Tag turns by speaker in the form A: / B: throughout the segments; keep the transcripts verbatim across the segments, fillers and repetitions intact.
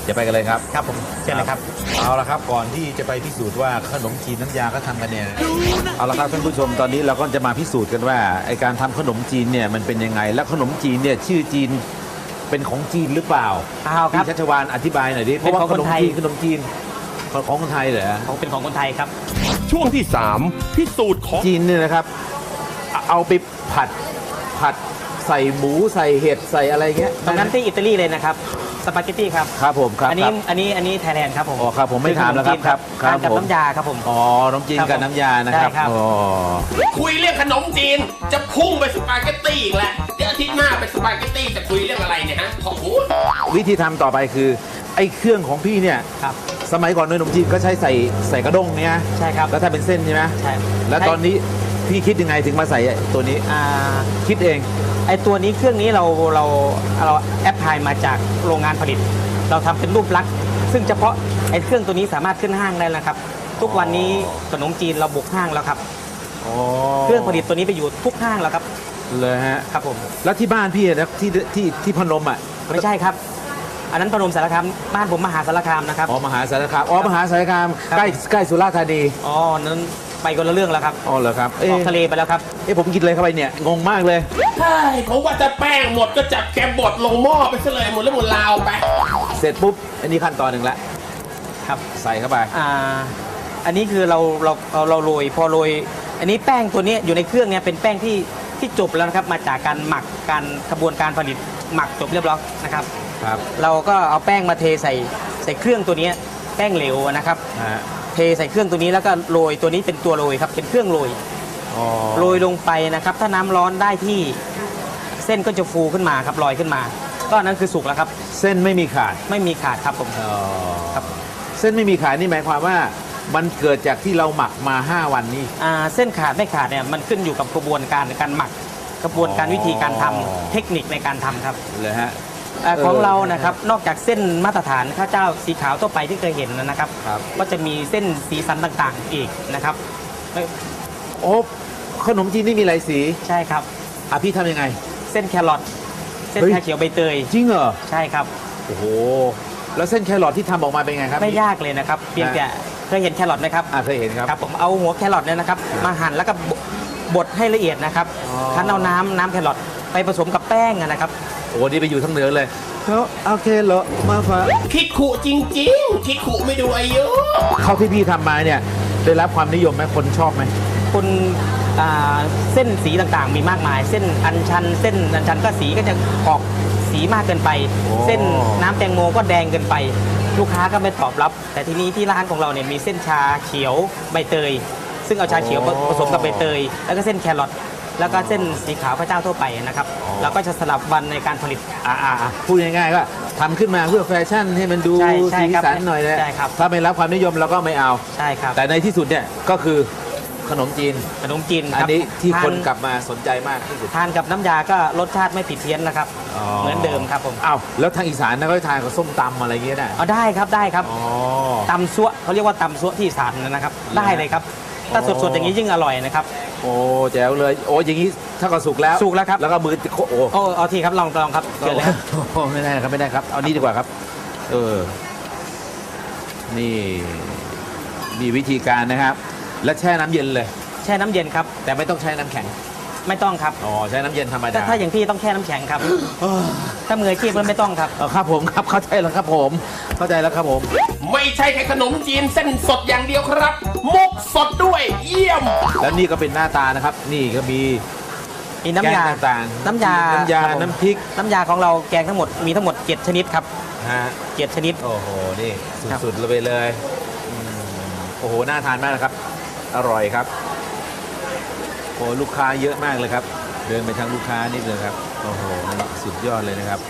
A: จะไปกันเลยครับ
B: ครับผมเชิญเลยครับ
A: เอาละครับก่อนที่จะไปพิสูจน์ว่าขนมจีนน้ำยาก็ทำกันเนี่ยเอาละครับท่านผู้ชมตอนนี้เราก็จะมาพิสูจน์กันว่าไอการทำขนมจีนเนี่ยมันเป็นยังไงและขนมจีนเนี่ยชื่อจีนเป็นของจีนหรือเปล่า
B: เอาครับ
A: พี่ชัชวาลอธิบายหน่อยดิเพราะว่าขนมจีนขนมจีนของคนไทยเหรอ
B: ของเป็นของคนไทยครับ
C: ช่วงที่สามพิสูจน์ของ
A: จีนเนี่ยนะครับเอาไปผัดผัดใส่หมูใส่เห็ดใส่อะไรเงี้ย
B: ตรงนั้นที่อิตาลีเลยนะครับสปาเกตตี้ครับ
A: ครับผมครับ
B: อันนี้อันนี้อันนี้ไทยแลนด์ครับผม
A: อ๋อครับผมไม่ถามแล้วครับครับ
B: ทานกับน้ำยาครับผม
A: อ๋อขนมจีนกับน้ำยานะครับ
B: ใช่ครับ
A: อ๋อ
D: คุยเรื่องขนมจีนจะพุ่งไปสปาเกตตี้อีกแล้วเดี๋ยวอาทิตย์หน้าไปสปาเกตตี้จะคุยเรื่องอะไรเนี่ยฮะขอพูด
A: วิธีทำต่อไปคือไอ้เครื่องของพี่เนี่ย
B: ครับ
A: สมัยก่อนขนมจีนก็ใช้ใส่ใส่กระด้งเนี่ย
B: ใช่ครับ
A: แล้วถ้าเป็นเส้นใช่ไหม
B: ใช่
A: แล้วตอนนี้พี่คิดยังไงถึงมาใส่ตัวนี้
B: อ่า
A: คิดเอง
B: ไอตัวนี้เครื่องนี้เราเราเราแอปพลายมาจากโรงงานผลิต เราทำเป็นรูปลักษณ์ซึ่งเฉพาะไอเครื่องตัวนี้สามารถขึ้นห้างได้แล้วครับ ทุกวันนี้ขนมจีนเราบุกห้างแล้วครับ
A: อ๋อ
B: เครื่องผลิตตัวนี้ไปอยู่ทุกห้างแล้วครับ
A: เลยฮะ
B: ครับผม
A: แล้วที่บ้านพี่นะที่ที่ที่พนมอ่ะ
B: ไม่ใช่ครับ อันนั้นพนมสารคามบ้านผมมหาสารคามนะครับ
A: อ๋อมหาสารคามอ๋อมหาสารคาม
B: ครับ
A: ใกล้ใกล้สุราษฎร์ธานี
B: อ๋อนั้นไปคนละเรื่องแล้วครับ
A: อ๋อเหรอครับ
B: อ
A: เอ๊ะ
B: อกทะเลไปแล้วครับ
A: เอ๊ะผมกินอะไรเข้าไปเนี่ยงงมากเลย
D: ใช่ผมว่าจะแป้งหมดก็จับแกมบดลงหม้อไปซะเลยหมดแล้วหมดลาวไป
A: เสร็จปุ๊บอันนี้ขั้นตอนหนึ่งละ
B: ครับ
A: ใส่เข้าไป
B: อ่าอันนี้คือเราเราเราเราโรยพอโรยอันนี้แป้งตัวนี้อยู่ในเครื่องเนี่ยเป็นแป้งที่ที่จบแล้วนะครับมาจากการหมักการกระบวนการผลิตหมักจบเรียบร้อยนะครับ
A: ครับ
B: เราก็เอาแป้งมาเทใส่ใส่เครื่องตัวนี้แป้งเหลวนะครับ
A: นะฮะ
B: เทใส่เครื่องตัวนี้แล้วก็โรยตัวนี้เป็นตัวโรยครับเป็นเครื่องโรย
A: อ๋อ
B: โรยลงไปนะครับ ถ้าน้ำร้อนได้ที่เส้นก็จะฟูขึ้นมาครับลอยขึ้นมา ก็อันนั้นคือสุกแล้วครับ
A: เส้นไม่มีขาด
B: ไม่มีขาดครับผม
A: อ๋อ
B: ครับ
A: เส้นไม่มีขาดนี่หมายความว่ามันเกิดจากที่เราหมักมา ห้า วันนี่
B: อ่าเส้นขาดไม่ขาดเนี่ยมันขึ้นอยู่กับกระบวนการการหมัก กระบวนการ
A: อ๋อ
B: วิธีการทำเทคนิคในการทำครับ
A: เลยฮะ
B: อ่า
A: เออ
B: ของเรานะครับนอกจากเส้นมาตรฐานข้าวเจ้าสีขาวทั่วไปที่เคยเห็นนะครับ
A: ครับ
B: ก็จะมีเส้นสีสันต่างๆอีกนะครับไม่
A: โอ้ขนมจีนนี่มีหลายสี
B: ใช่ครับ
A: อ่ะพี่ทำยังไง
B: เส้นแครอทเส้น
A: เฮ้ย
B: ชาเขียวใบเตย
A: จริงเหรอ
B: ใช่ครับ
A: โอ้โหแล้วเส้นแครอทที่ทำออกมาเป็นไงครับ
B: ไม่ยากเลยนะครับเพียงแต่เคยเห็นแครอทไหมครับ
A: อ่ะเคยเห็นครับ
B: ครับผมเอาหัวแครอทเนี่ยนะครับมาหั่นแล้วก็บดให้ละเอียดนะครับ
A: อ๋อ
B: คั้นเอาน้ำน้ำแครอทไปผสมกับแป้งอะนะครับ
A: โอ้นี่ไปอยู่ทั้งเหนือเลยเขาโอเคเหรอมาฝา
D: คิดขู่จริงๆ คิดขู่ไม่ดูอายุ
A: เขาที่พี่ทำมาเนี่ยได้รับความนิยมไหมคนชอบไหม
B: คุณอ่าเส้นสีต่างๆมีมากมาย เส้นอัญชัน เส้นอัญชันก็สีก็จะออกสีมากเกินไป เส้นน้ำแตงโมก็แดงเกินไป ลูกค้าก็ไม่ตอบรับ แต่ทีนี้ที่ร้านของเราเนี่ยมีเส้นชาเขียวใบเตย ซึ่งเอาชาเขียวผสมกับใบเตย แล้วก็เส้นแครอทแล้วก็เส้นสีขาวพระเจ้าทั่วไปนะครับแล้วก็จะสลับวันในการผลิต
A: อ่าอ่าอ่าพูดง่ายๆก็ทำขึ้นมาเพื่อแฟชั่นให้มันดู
B: ใช่ใช่
A: สี
B: ครับ
A: สันหน่อยนะ
B: ใช่ครับ
A: ถ้าไม่รับความนิยมเราก็ไม่เอา
B: ใช่ครับ
A: แต่ในที่สุดเนี่ยก็คือขนมจีน
B: ขนมจีน
A: อั
B: คน รับ
A: นี้ที่
B: ทา
A: คนกลับมาสนใจมากที่สุด
B: ทานกับน้ำยาก็รสชาติไม่ผิดเพี้ยนนะครับ
A: อ๋อ
B: เหมือนเดิมครับผม
A: อ้าวแล้วทางอีสานนะก็ทานกับส้มตำอะไรเงี้ยนะ
B: เอาได้ครับได้ครับ
A: อ๋อ
B: ตำซัวเขาเรียกว่าตำซัวที่อีสานนะครับ ได้เลยครับ ถ้า
A: อ๋อ
B: สดๆอย่างนี้ยิ่งอร่อยนะครับ
A: โอ้แจ๋วเลยโอ้อย่างนี้ถ้าก็สุกแล้ว
B: สุกแล้วครับ
A: แล้วก็มือโอ้โอ้
B: โอ้เอาทีครับลองลองครับเชิญเลยครับ
A: โอ้ไม่ได้ครับไม่ได้ครับ เอานี้ดีกว่าครับ เออ นี่มีวิธีการนะครับ และแช่น้ำเย็นเลย
B: แช่น้ำเย็นครับ
A: แต่ไม่ต้องใช้น้ำแข็ง
B: ไม่ต้องครับ
A: อ๋อใช้น้ำเย็นธรรม
B: แต่
A: ดา
B: ถ้าอย่างพี่ต้องแช่น้ำแข็งครับ ถ้ามืออาชีพมันไม่ต้องครับ
A: เออครับผมครับเข้าใจแล้วครับผม เข้าใจแล้วครับผม
D: ไม่ใช่แค่ขนมจีนเส้นสดอย่างเดียวครับ มุกสดด้วยเยี่ยม
A: แล้วนี่ก็เป็นหน้าตานะครับ นี่ก็มี
B: มีน้ำยา
A: แกงต่างๆ
B: น้ำยา
A: น้ำยา
B: ครับผม
A: น้ำพริก
B: น้ำยาของเราแกงทั้งหมดมีทั้งหมดเจ็ดชนิดครับ
A: ฮะ
B: เจ็ดชนิด
A: โอ้โหนี่
B: ครับ
A: สุดๆเลยไปเลยอืมโอ้โหน่าทานมากนะครับ อร่อยครับโอ้ลูกค้าเยอะมากเลยครับ เดินไปทางลูกค้านิดเลยครับโอ้โหนี่สุดยอดเลยนะครับ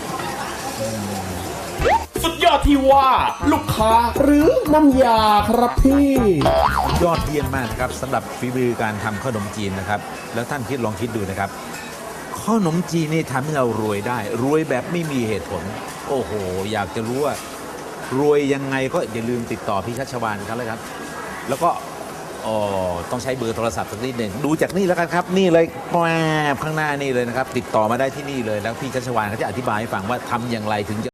D: สุดยอดที่ว่า ลูกค้าหรือน้ำยาครับพี่
A: ยอดเยี่ยมมากนะครับสำหรับฝีมือการทำขนมจีนนะครับ แล้วท่านคิดลองคิดดูนะครับขนมจีนนี่ทำให้เรารวยได้ รวยแบบไม่มีเหตุผล โอ้โห อยากจะรู้ว่ารวยยังไงก็อย่าลืมติดต่อพี่ชัชวาลครับเลยครับ แล้วก็อ๋อต้องใช้เบอร์โทรศัพท์สักนิดหนึ่งดูจากนี่แล้วกันครับ นี่เลยแปบข้างหน้านี่เลยนะครับ ติดต่อมาได้ที่นี่เลยแล้วพี่ชัชวาลเขาจะอธิบายให้ฟังว่าทำอย่างไรถึงจะ